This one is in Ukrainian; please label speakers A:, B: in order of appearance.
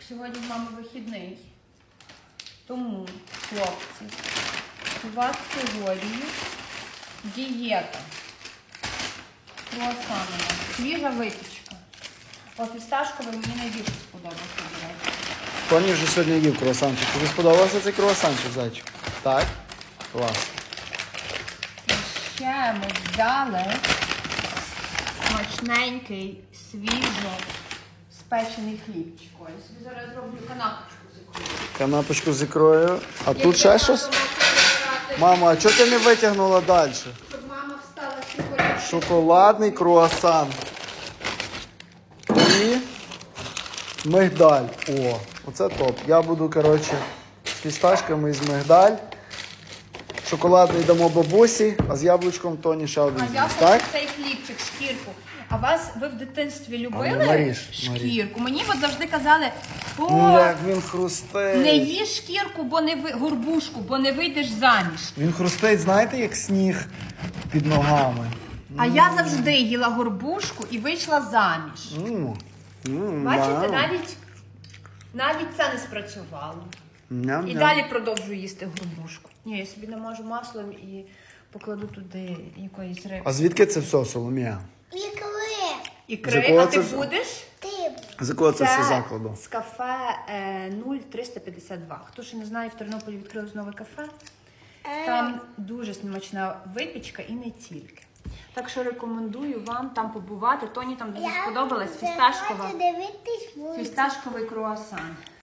A: сьогодні в мами вихідний. Тому, хлопці, у вас сьогодні дієта. Круасани, свіжа випічка. О, фісташковий мені найбільше сподобався, до речі.
B: Тоні вже сьогодні їв круасанчик. Тобі сподобався цей круасанчик, зайчик? Так? Клас.
A: І ще ми взяли смачненький, свіжо спечений хлібчик. Я собі зараз зроблю канапочку з ікрою.
B: Канапочку з ікрою. А тут ще щось? Мама, а чого ти не витягнула далі?
A: Щоб мама встала сьогодні.
B: Шоколадний круасан. І мигдаль. О, оце топ. Я буду, коротше, з фісташками і з мигдаль. Шоколадний дамо бабусі, а з яблучком Тоні ще один
A: А я
B: з'їсть,
A: хочу
B: так?
A: цей хлібчик, шкірку. А ви в дитинстві
B: ну,
A: любили
B: наріж.
A: шкірку? Мені от завжди казали,
B: Ну, як він хрустить.
A: не їж шкірку, бо не горбушку, бо не вийдеш заміж.
B: Він хрустить, знаєте, як сніг під ногами.
A: А я завжди їла горбушку і вийшла заміж. Бачите, навіть це не спрацювало. І далі продовжую їсти горбушку. Ні, я собі намажу маслом і покладу туди якоїсь риби.
B: А звідки це все, Соломія?
A: Ікри, а ти будеш?
B: З якого це все закладу?
A: З кафе 0352. Хто ще не знає, в Тернополі відкрилось нове кафе. Там дуже смачна випічка і не тільки. Так що рекомендую вам там побувати. Тоні там дуже сподобалась фісташковий круасан.